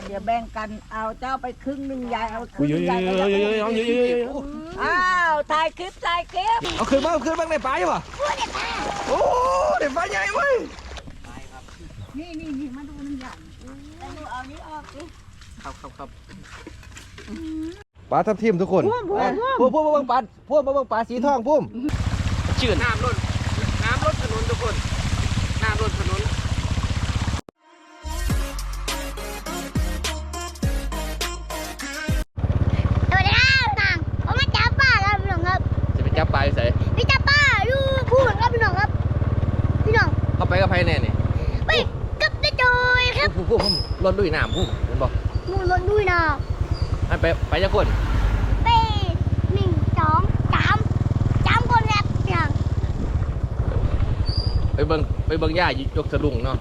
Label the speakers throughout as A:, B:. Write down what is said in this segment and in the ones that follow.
A: เดี๋ยวแบ่งกันเอาเจ้าไปครึ่งหนึ่งยายเอาครึ่ง
B: เยอะ
A: ยาย
B: ๆ
A: อ้าวถ่ายคลิป
B: เอาคืนบ้างบ้างในปลาใช่ป่ะโอ้เด็กปลาใหญ่เว้ย
A: นี่มาดูน้ำใหญ่แต่หนูเอานี้ออกสิ
B: ครับปลาทับทิมทุกคนพุ่มมาเบิ่งปลาสีทองพุ่มชื่อน้ำล้นถนนทุกคนน้ำล้นถนนจะไปจับปลาอยู่ไหน
C: ไปจับปลาอยู่พูดครับพี่น้องครับพี่น้อง
B: เข้าไปกับไผ่แน่นี่
C: ไปกับตะจอยครับ
B: พุ่มรถลุยน้ำพุ่มเห็นบอก
C: มูลด้วยนะ
B: ไปจะคน
C: ไป1 2 3คนแบบอย่าง
B: ไปเบิ่งย่ายกสลุงเนาะ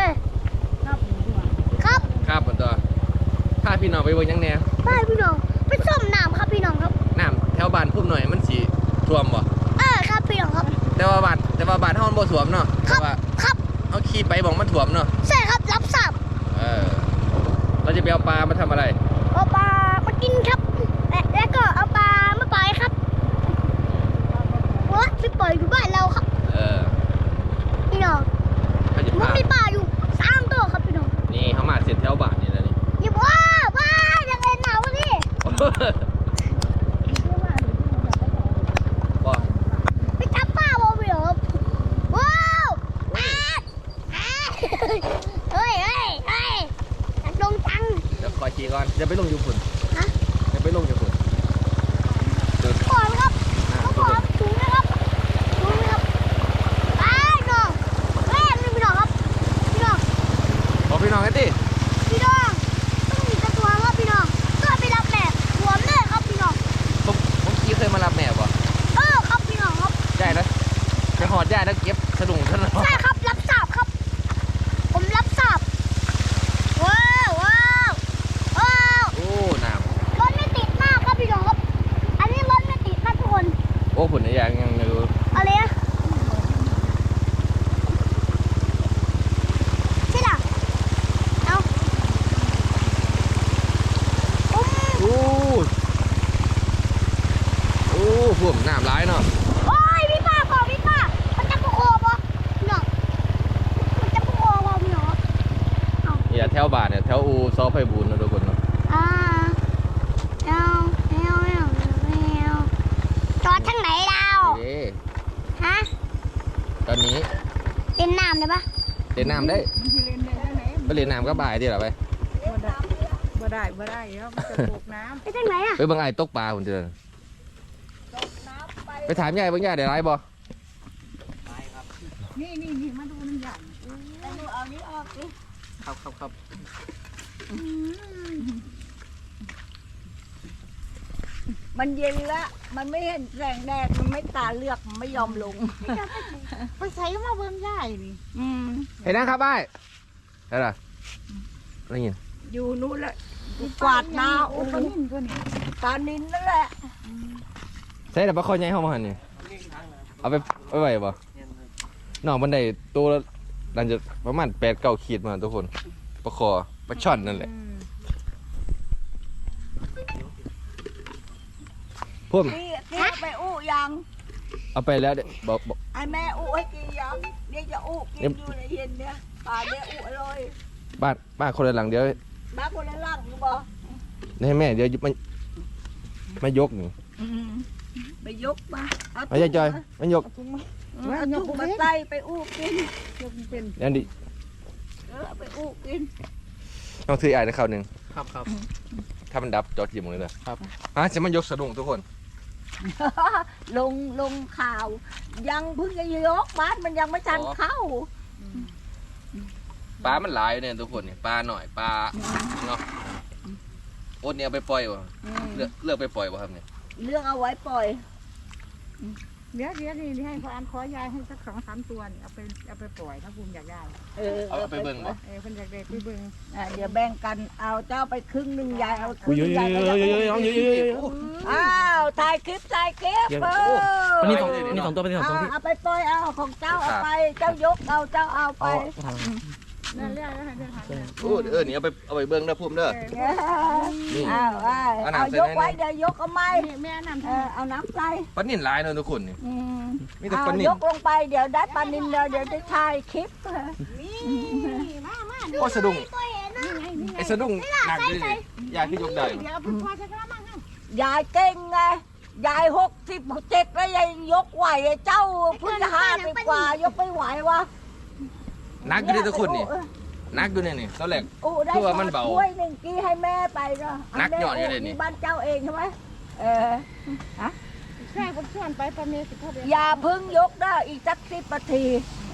B: ครับมันตัวถ้าพี่น้องไปเบิ่งยังแน่
C: ไปพี่น้องไปส้มน้ำครับพี่น้องครับ
B: น้ำแถวบ้านพุ่มหน่อยมันสีท่วมบ่
C: ครับพี่น้องครับ
B: แต่ว่าบ้านเฮามันบ่ท่วมเนาะ
C: ครับ
B: เอาขี่ไปบอกมันท่วมเนาะ
C: ใช่ครับรับทราบ
B: เราจะไปเอาปลามาทำอะไร
C: เอาปลามากินครับแล้วก็เอาปลามาปล่อยครับว่าไปปล่อยอยู่บ้านเราครับพี่น้องมันมีปลาอยู่3 ตัวครับพี่น้อง
B: นี่เขามาเสร็จแถวบ้านนี่แล้วนี่
C: อย่าว่ายังไงหนาวะนี่ไปจับปลาบ่พี่น้องว้าวเฮ้ยลงจัง
B: เดี๋ยวคอยขี่ก่อนเดี๋ยวไปลงอยู่ฝุ่น
C: ขอครับถุงนะครับไปน้องแม่นี่พี่น้องครับพี่น้อง
B: บอกพี่น้องกันดิ
C: พี่น้องต้องมีกระตัวครับพี่น้องก็ไปรับแม่หัวแม่ครับพี่น้อง
B: ผมขี่เคยมารับแม่ป่ะ
C: ครับพี่น้องครับ
B: ได้แล้วไปหอดย่าแล้วเก็บสลุงท่าน
C: ใช่ครับรับทราบครับผมรับทราบว้าว
B: โอ้น้
C: ำรถไม่ติดมากครับพี่น้องครับอันนี้รถไม่ติดนะทุกคน
B: ำโอ้ผลอย่างยังอยู่
C: อะไรอะใช่หรอเอา
B: โอ้ผมน้ำร้ายเนาะ
C: โอ้ยพี่ป้ามันจะปุโคบ่พี่น้องมันจะปุโคบ่พี่น้อง
B: อย่าแถวบ้านเนี่ยแถวอูซอไฟบูนนะทุกคนเนาะ
C: จอดทางไหนเราฮะ
B: ตอนนี้
C: เล่นน้ำได้ปะ
B: เล่นน้ำได้ไปเล่นน้ำก็บ่ายที่หรอไป
A: บ่ได้ครับจะตกน้ำ
C: ไปทางไหนอะ
B: ไปบางไอ้ตกปลาผมเจอไปถามยายบางยายเดี๋ยวไรบ่
A: นี่มาดูน้ำใหญ่แต่หนูเอานี้ออกสิ
B: ครับ
A: มันเย็นแล้วมันไม่เห็นแสงแดดมันไม่ตาเลือกมันไม่ยอมลงไปใส่มาเบิ่งใหญ่นี่
B: เห็นนะครับไอ้อะไรอะไรเงี้ย
A: อยู่นู้นแหละกวาดนาโอ้ปนินตัวนี้ปลานินนั่นแหละ
B: ใช่แต่ปลาคอยใหญ่เข้ามาหันนี่เอาไปไหวบ่หน่อบันไดตัวนั่นจะประมาณ8-9 ขีดมาทุกคนปลาคอปลาช่อนนั่นแหละพุ่ม
A: ที่ไปอู้ยัง
B: เอาไปแล้วบอก
A: ไอ้แม่อู้ให้กินยังเดี๋ยวจะอู้กินอยู่ในเย็นเนี่ยปลาเดี๋ยวอู้อร่อย
B: บ้านคนละหลังเดี๋ยว
A: บ้านคนละหลังอยู่บ่
B: ให้แม่เดี๋ยวไม่ยกนี่
A: ไปยกมา
B: เอาใจจอยไม่ยก
A: เอาถุงมาใส่ไปอู้กินยกเป็น
B: นั่นดิ
A: ไปอู้กิน
B: ต้องซื้อไอ้ในข้าวหนึ่ง
D: ครับ
B: ถ้ามันดับจอดจิ้มเลยครับจะมันยกสะดุ้งทุกคน
A: ลงข่าวยังเพิ่งจะยกบ้านมันยังไม่ทันเข้า
B: ปลามันหลายเนี่ยทุกคนเนี่ยปลาหน่อยปลาเนาะโอ๊ตเนี่ยเอาไปปล่อยวะเลือกไปปล่อยวะครับเนี่ย
A: เลือกเอาไว้ปล่อย
D: เดี๋ยวนี่ให้พ่ออันขอยายให้สัก2-3 ตัวนี่เอาไปปล่อยถ้าภูมิอยากได้
B: เอาไปเบิ่งบ่
D: เพิ่นอยากได้ไปเบิ่ง
A: เดี๋ยวแบ่งกันเอาเจ้าไปครึ่งหนึ่งยายเอาครึ่ง
B: ยาย
A: อ้าวถ่ายคลิป
B: นี่2 ตัวเป็น2 ตัว
A: เอาไปปล่อยเอาของเจ้าเอาไปเจ้ายกเอาเจ้าเอาไป
D: นั่นเรียกแล้วให้เดินทางเลย
B: โอ้นี่เอาไปเบิ่งเด้อพุ่มเด้อนี่
A: เอายกไว้เดี๋ยวยกเอาไม้
D: แม่นำ
A: เอาน้ำใส่
B: ปลานิ่นหลายเนาะทุกคนนี่มีแต่
A: เอา
B: ปลานิ่
A: ย
B: น
A: กลงไปเดี๋ยวได้ปลานินเดี๋ยวได้ถ่ายคลิป
B: โอ้สะดุ้ง
C: ตัวเห็นนะ
B: ไอ้สะดุ้งหนักเลยยายคือยกได้
D: เดี๋ยวเอาไปพอใช้กระมัง
A: ยายเก่งไงยาย67แล้วยายยกไหวเจ้าเพิ่ง50กว่ายกไม่ไหววะ
B: หนักอยู่เลยทุกคนนี่หนักอยู่เนี่ยนี่ตอนแรก
A: ได้
B: คือว่ามันเบา
A: ถ้วยหนึ่งกี้ให้แม่ไปเนาะ
B: นักหยอดอยู่เลยนี่
A: บ้านเจ้าเองใช่ไหมฮะ
D: ใช่ผมชวนไปประเมศ15เดือน
A: อย่าเพึ่งยกได้อีกสัก10 นาที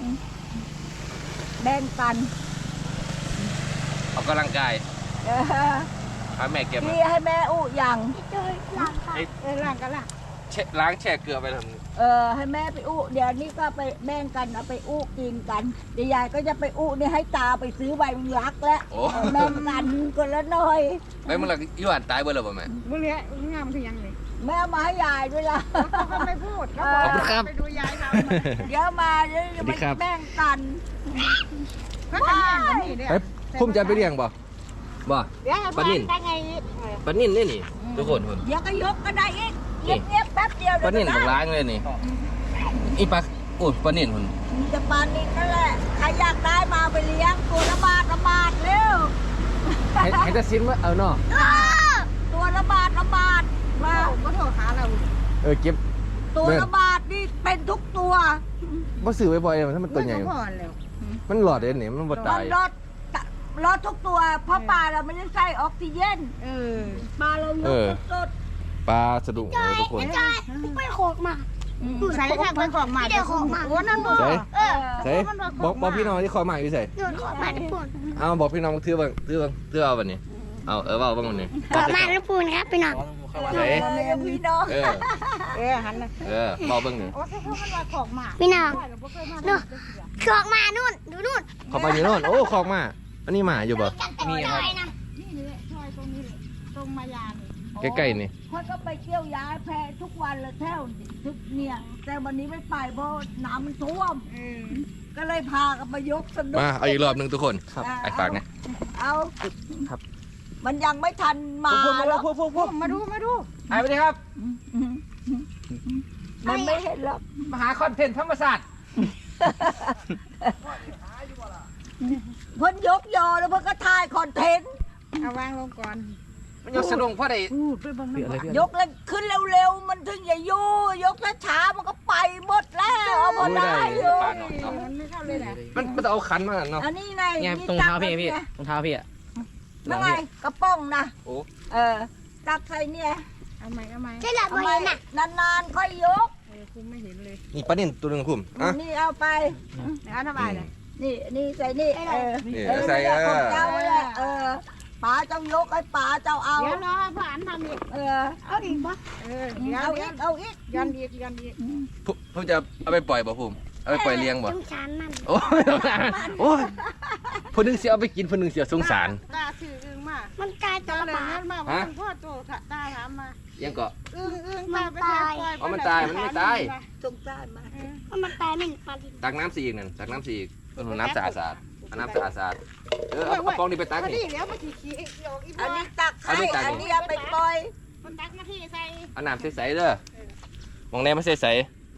A: แบ่งกัน
B: ออกกำลังกาย
A: เออ
B: พาแม่เก็บมา
A: พี่ให้แม่อุอย่าง
C: เจอหลังค่ะ
D: ล่างกันล่ะ
B: ล้างแช่เกลือไปทำ
A: ให้แม่ไปอุเดี๋ยวนี้ก็ไปแบ่งกันเอาไปอุกินกันเดี๋ยวยายก็จะไปอุนี่ให้ตาไปซื้อใบมึงรักแล้ว
B: โอ้
A: แบ่งกันคนละหน่อย
B: ไปมึงละยี่ห้อตายเบอร์เลยป่ะแม่
D: บุเรียงามคือยังเลย
A: แม่เอามาให้ยายด้วยล่ะ
D: เขาไม่พูดเขา
B: ขอบคุณครับ
D: ไปดูยายเขา
A: เดี๋ยวมาเดี๋ยวจะ
B: สวัสดีครับ
A: แบ่งกัน
D: เขาจะแย่งกันนี่เนี่ย
B: ไปพุ่มจะไปเลี้ยงบ่บ่
D: เดี๋ยว
B: ปลานิ่น
D: ไปไง
B: ปลานิ่นนี่นี่ทุกคนคน
A: เดี๋ยวก็ยกก็ได้อีกเงียบๆแป๊บเดียว
B: ปลานิ่น
A: เดี๋
B: บั
A: ยว
B: ก
A: ก็
B: ล้างเลยนี่อีปลาโอ้ปลานิ่นคน
A: มีแต่ปลานิ่นนั่นแหละใครอยากได้มาไปเลี้ยงตัวละบาทเร็ว
B: ให้จะซิมว่าเอาเนาะ
A: ตัวละบาทมา
D: ก็โทรหาเรา
B: เก็บ
A: ตัวละบาทนี่เป็นทุกตัว
B: บ่ซื้อบ่อยๆถ้ามันตัวใหญ่
D: ไม่พอแล้ว
B: มันหลอดเด่นนี่มันบ่
A: มั
B: ตาย
A: นรถทุกตัวเพราะปลาเราไม่ได้ใส่ออกซิเจน ปลาเรายกสด
B: ปลาสะดุ้งทุกคน
C: จอยไปโขกมา
D: ใส่ทางไปของมาโอ้นั่นบ่
B: ใส่
C: เออ
B: ใส่บอกพี่น้องที่คอยมาอยู่ใส่
C: โดนขอมาทุกคน
B: เอาบอกพี่น้องถือบ้างถือเอาบัดนี้เอาว่าบ้างวันนี้
C: ขอมาทุกคนครับพี่น้อง
B: ใส่
A: แม่พี่น้อง
D: หันนะ
B: บอกเบิ่งนี่
D: โอ้ใช่เขามันว่าของมา
C: พี่น้องเนาะขอกมานู่นดูนู่น
B: ขอไปอยู่โน่นโอ้คอกมาอันนี้หมาอยู่บ่
C: มีครับ
D: นี่เลยซอยตรงนี้เลยตรงมายาเลย
B: ใกล้ๆนี่
A: เขาก็ไปเที่ยวย้ายแพทุกวันเลยแถวทุกเนี่ย แต่วันนี้ไม่ไปเพราะน้ำมันท่วม ก็เลยพากันมายกสนุก
B: มาเอาอีกรอบหนึงทุกคนไอ้ฝากนะ
A: เอา
B: ครับ
A: มันยังไม่ทันมาหรอก
D: มาดู
B: ไอ้ไปดิครับ
A: มันไม่เห็นหรอก
B: มาหาคอนเทนต์ธรรมศาสตร์
A: เพิ่นยกยอแล้วเพิ่นก็ถ่ายคอนเทนต์
D: เอาวางลงก่อน
B: มันยกสะดุ้งเพราะได้
D: พูดไปบังน้ำ
A: ยกแล้วขึ้นเร็วๆมันถึงอย่ายู่ยกช้าๆมันก็ไปหมดแล้วเอาพอได้อยู่
B: ปลาหน่อยเนาะ
D: มันไม่เข้าเลยนะ
B: มันต้องเอาขันมาเนาะ
A: อันนี้ไง
E: เนี่ย
A: มี
E: ตรงเท้าพี่
A: ตัก
E: พี่
A: ไว้
E: ตรงเท้าพี่อ่ะ
A: นั่นไงกระป๋องนะ
B: โอ้
A: ตักใส่เนี่ย
D: เอาไหม
C: ใช่หลับ
A: ทำไม
C: เห็นน่ะ
A: นานๆค่อยยก
D: คุณไม่เห็นเลย
B: นี่ปลานิ่นตัวหนึงพุ่มอ่ะ
A: นี่เอาไป
D: เอาทำไมเลย
A: นี่ใส่นี่
B: นี่ใส่
A: ของเจ้าแหละป๋าเจ้ายกให้ป๋าเจ้าเอา
D: เดี๋ยวรอให้ผ่านทำอีก
A: เอาอีกปะ
D: เอาอีก
A: เอาอีก
D: ยันอีก
B: พุ่มจะเอาไปปล่อยบ่พุ่มเอาไปปล่อยเลี้ยงบ่
C: สงสารมัน
B: โอ้ยโอ้ยคนหนึงเสียเอาไปกินคนหนึงเสียสงสาร
D: ตาสื่ออึ้งมา
C: มันกลายตัว
D: ตาเลย
C: ปลา
D: นั่นมาว่าพ่อโตตาถามมา
B: ยังก็
D: อึ้งตาไปแทนปล่อย
B: อ๋อมันตายมันไม่ตาย
A: สงสารมา
C: มันตายไม่ปลาดิบ
B: ตักน้ำสีอีกนั่นตักน้ำสีอีกน้ำสะอาดๆเอาน้ำสะอาดๆเอากองนี้ไปตัก
D: นี่
B: นี่
D: เดี๋ยวมาขี้เกี่ยวอีก
A: อัน
D: บ่
A: นี้ตักให้
B: อันนี้ตัก
A: อันนี้เอาไปปล่อย
D: มันตักมาที่ใส่
B: เอาน้ำใสๆเด้อมองแน่ไม่ใส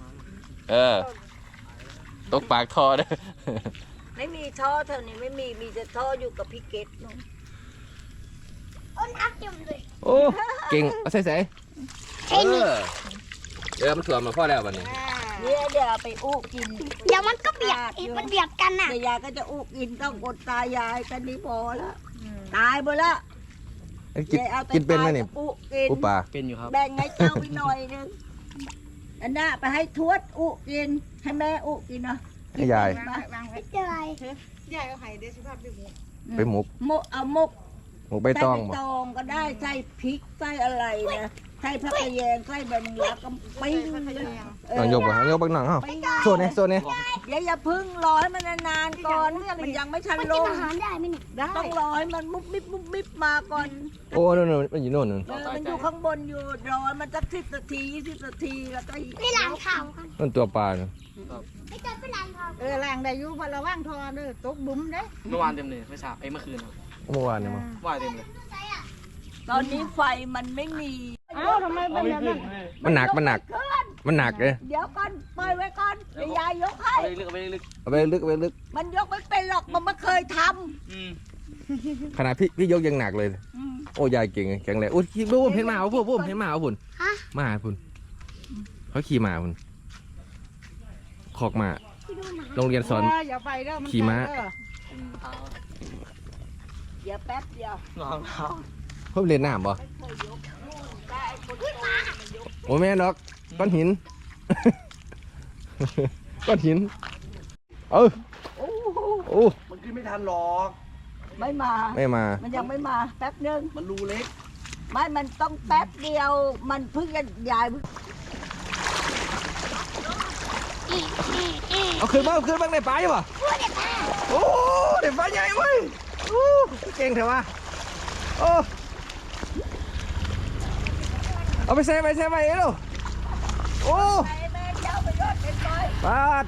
B: ๆตกปากทอเด้อ
A: ไม่มีท่อแถวนี้ไม่มีแต่ท่ออยู่กับพี่เกตนู่น
C: อ้นอักจุ่มเลย
B: โอ้เก่งเอาใสๆมันถ่วมมาพ่อแล้ววันนี้
A: เนี่ยเดี๋ยวเอาไปอู้กิน
C: เดี๋ยวมันก็เบียดอีกมันเบียดกันน่ะ
A: เดี๋ยวยายก็จะอู้กินต้องอดตายายกันนี้พอแล้วตายหมดแล้ว
B: กินเป็นไหมนี่
A: อู้กิน
B: ปูปลา
E: เป็นอยู่ครับ
A: แบ่งให้เจ้าไปหน่อยนึงอันน่ะไปให้ทวดอู้กินให้แม่อู้กินเนาะ
B: ให้ยาย
D: วางไว้
C: ไม่เจออะไร
D: ยายเอาไข่เดชิภาพไปหมด
B: ไปหมก
A: หมกเอาหมก
B: หมกใบตอง
A: ใส่
B: บ่
A: ใบตองก็ได้ใส่พริกใส่อะไรนะใส่ผักกระแยงใส่ใบมะระก็ปิ้งเลย
B: น้องยกบ่ยกบักหนังเฮาโซนนี่โซนนี่
A: อย่าพึ่งรอให้มันนานๆก่อนมันยังไม่ทัน
C: มัน
A: ล
C: กิน
A: ง
C: อาหารได้ไหมเนี่ย
D: ได้
A: ต้องรอให้มันมุบมิบมาก่อน
B: โอ้นู่นมันอยู่โน่น
A: มันอยู่ข้างบนอยู่รอมันสัก10 นาที20 นาทีแล้วก็
C: ไปล้างเท้ากัน
B: นั่นตัวปลาเนาะ
C: ไปเจอไปล้างเท้า
D: ล้างได้อยู่พอระว่างทอเด้อตกบุ๋มเด้
E: เมื่อวานเต็มเลยไม่ทราบเมื่อคืนครับ
B: เมื่อวานเนี่ยมั้ง
E: ว่ายเต็มเลย
A: ตอนนี้ไฟมันไม่มี
D: เอ้าทำไมเป็นแบบนั้น
B: มันหนักมันหนักเลย
A: เดี๋ยวก่อนปล่อยไว้ก่อนเดี๋ยวยายยกให้
E: เอาไปลึกเอาไปลึก
B: เอาไปลึก
A: มันยกไม่เป็นหรอกมันไม่เคยท
E: อืม
B: ขนาดพี่ยกยังหนักเลย
A: ำ
B: โอ้ยายเก่งแข็งแรงอุ้ยขี่พุ่มเห็นหมาเอาพุ่มเห็นหมาเอาพุ่น
C: ฮะ
B: หมาพุ่นเขาขี่หมาพุ่นคอกหมา
C: ไปดูหมา
B: โรงเรียนสอน
D: อย่าไปเด้อมัน
B: ขี่ม้า
D: เด้อ
E: เท้า
A: เดี๋ยวแป๊บเดียว
E: รองเท้า
B: เพิ่มเรียนน้ำบ่
A: ไม่เคยยกได้ไอ้คนโตมันยก
B: โอ้แม่นดอกก้อนหิน ก้อนหินเออ
A: โอ้โห
B: โอ้
E: มันขึ้นไม่ทันหรอก
A: ไม่มา
B: ไม่มา
A: มันยังไม่มาแป๊บนึง
E: มันรูเล็ก
A: ไม่มันต้องแป๊บเดียว มันเพิ่งจะยายเพิ่ง
B: เอาขึ้นบ้างในป่าใช่ป่ะโอ้เด็กป่าใหญ่เว้ยโอ้เก่งเถอะวะโอ้เอาไปแซ่ไปเอ้ลูกโอ้
A: ไปแม่เจ้าไปยอดเป็นไป
B: ปาด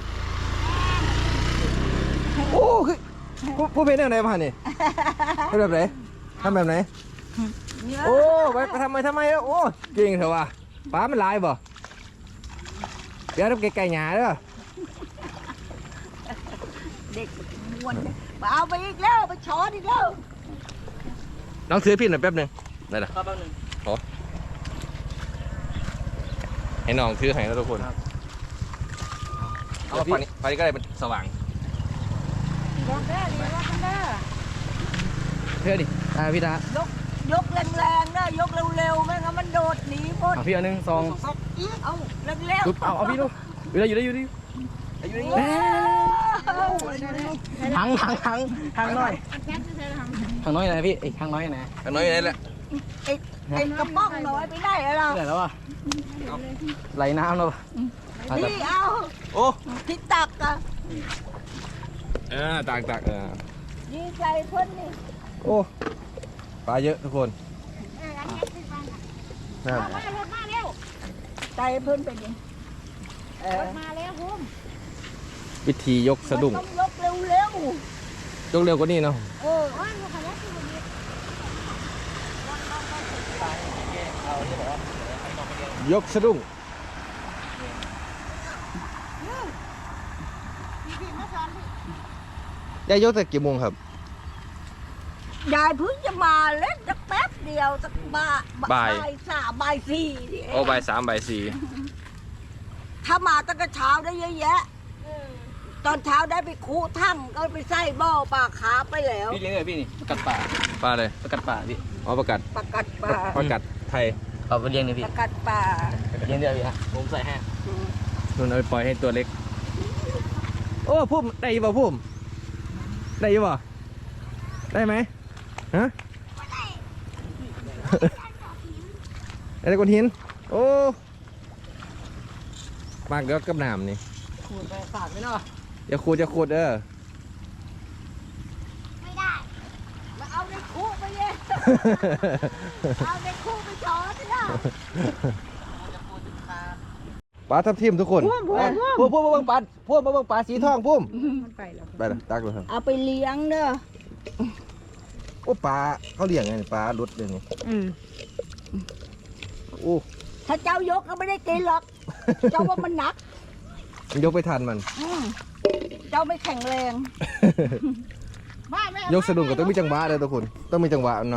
B: โอ้คือผู้เพลงอะไรมาเนี่ยทำแบบไหนทำแบบไหน
A: เนี่ย
B: โอ้ไปทำไมแล้วโอ้เก่งเถอะวะป้ามันลายบ่เดี๋ยวทำไก่หยาเด้อ
A: เด็กม้วนเอาไปอีกแล้วไปช้อนอีกแล้ว
B: น้องถือพี่หน่อยแป๊บหนึงได้ละ
E: ครับแป๊บนึง
B: ให้น้องถือให้แล้วทุกคนเอาฝั่งนี้ก็ได้เป็นสว่าง
D: บอกเด้อดีว่ากันเด้อ
B: เพื่อดิพี่ตาย
A: กแรงๆนะยกเร็วๆไม่งั้นมันโดดหนีหมด
B: เอาพี่อันนึงสอง
A: เอาเร็ว
B: เอาพี่ลูกอยู่ได้
A: ๆ
E: ทางน้อยทางน้อยนะพี่ไอ้ทางน้อยนะ
B: อันน้อยนี่แหละ
A: ไอ้กระป๋องน้อยไปได้เหรอ
E: เหนื่อยแล้วอ่ะไหลน้ำแล้ว
A: นี่เอา
B: โอ้
A: ที่ตักอะ
B: ตัก
A: ดีใจเพิ่นนี่
B: โอ้ปลาเยอะทุกคนนั่น
D: มารถมาเร็ว
A: ใจเพิ่นเป็นยัง
D: รถมาแล้วพุ่ม
B: วิธียกสะดุ้ง
A: มันต้องยกเร็วย
B: กเร็วกว่านี้เนาะ
A: เออ
B: ยกสะดุ้งยายยกแต่กี่โมงครับ
A: ยายเพิ่งจะมาเล่นสักแป๊บเดียวสักบ่าย
B: บ่าย
A: บ่ายสี่นี่เอง
B: โอ้ใบ3ใบ4
A: ถ้ามาตั้งแต่เช้าได้เยอะแยะตอนเช้าได้ไปคูถ้ำก็ไปใส่บ่อปลาขาไปแล้ว
E: พี่เลี้ยงเลยพี่นี่ประกัดป่า
B: ปลาเลย
E: ประกัดป่าพี่
B: อ๋อประกัด
A: ประกัดปลา
B: ประกัดไทย
E: เอาไปเลี้ยงเลยพี่
A: ประกัดปลา
E: เลี้ยงเดียวพี่ฮะผมใส่ให้
B: นุ่นเอาไปปล่อยให้ตัวเล็กโอ้พุ่มได้ยี่บ่พุ่มได้ยี่บ่ได้ไหมฮะได้แต่ก้อนหินโอ้มากเดี๋ยวกับน้ำนี่
E: ขูดไปปากไม่เนาะ
B: อย่าขูด
C: ไม่ได้
A: แล้วเอาในคูไปเย่เอาในคูไปช้อนสิล่ะ
B: ปลาทับทิมทุกคนพุ่มเบิ่งปลาพุ่มเบิ่งปลาสีทองพุ่ม
D: มันไปแล้ว
B: ไปละตักเลยครับ
A: เอาไปเลี้ยงเด้อ
B: โอ้ปลาเขาเลี้ยงไงนี่ปลาลุดเลยนี่โอ้
A: ถ้าเจ้ายกก็ไม่ได้กินหรอก เจ้าว่ามันหนัก
B: มันยกไปทันมัน
A: เจ้าไม่แข็งแรง
B: ยกสะดุ้งก็ต้องมีจังหวะเลยทุกคน ต้องมีจังหวะเนาะ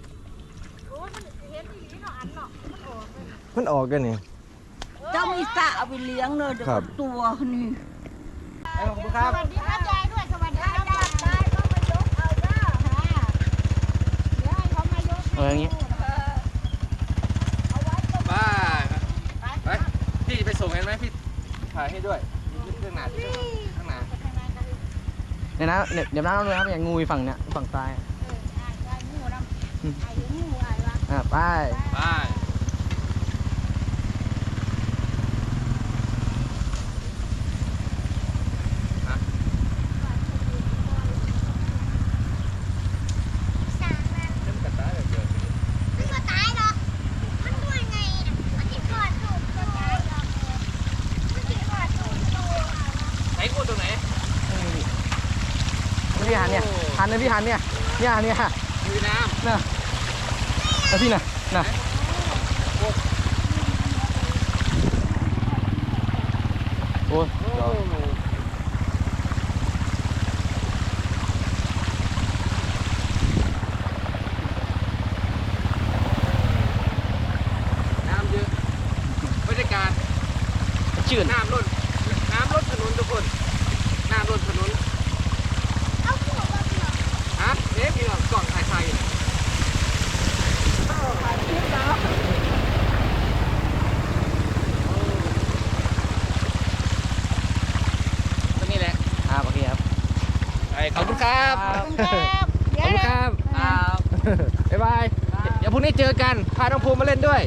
B: มันออกกันนี่
A: เจ้ามีสระเอาไปเลี้ยงเลยเดี๋ยว
B: ครับ
A: ตัวนี่
E: ขอบคุณครับ
D: สวัสดีครับยายด้วยสวัสดีครับ
A: ได้ก็มายกเอาเด้อ
D: เดี๋ยวให้เขามายก
E: อย่างงี้
B: บ้าไปพี่ไปส่งกันไหมพี่ถ่ายให้ด้วยเรื่องหนาที่ข้างหน้า
E: เนี่ยนะเดี๋ยวน้ำเลยครับอย่างงูอีฝั่งเนี้ยฝั่งซ้ายไป
B: ไป
E: นะพี่หันเนี่ยเนี่ย
B: มีน้ำ
E: น่ะแล้วพี่น่ะโอ้ย
B: น้ำเยอะบรรยากาศ
E: ชื่น
B: น้ำล้นถนนทุกคนน้ำล้นถนน
C: เอาหัวมาเผื่อ
B: ฮะเอ๊ะพี่น้องกล่องถ่ายไทยตรงนี้แหละ
E: โอเคครับ
B: ขอบคุณครับ
D: ครับ
B: ขอบคุณครับ บ๊ายบาย เดี๋ยวพรุ่งนี้เจอกัน พาน้องภูมิมาเล่นด้วย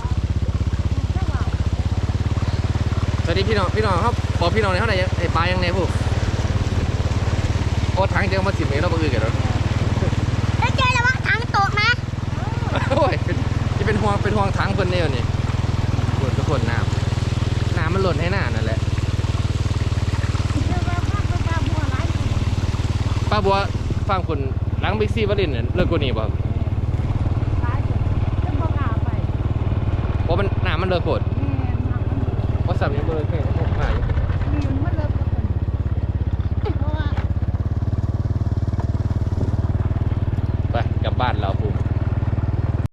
B: สวัสดีพี่น้องครับบอกพี่น้องในอยเท่าไหร่ไอ้ปลายังไงพวกโอ้ถังจะเอามาสิบเมตรเราไปอื่นกันแล้ว
C: แล้วเจอระวังถังตกนะ
B: โอ้ยจะเป็นห่วงถังเพิ่นเนี่ยนี่ทุกคนน้ำมันหล่นให้หน้านั่นแหละป้าบัวฟังคุณล้างบิ๊กซีวลินเนี่ยเลิกกว่านี้ป่ะเพราะมันน้ำมันเลิกโคตรว่าสับยังเลิกแค่หน้าอยู่ไปกลับบ้านเราภูมิ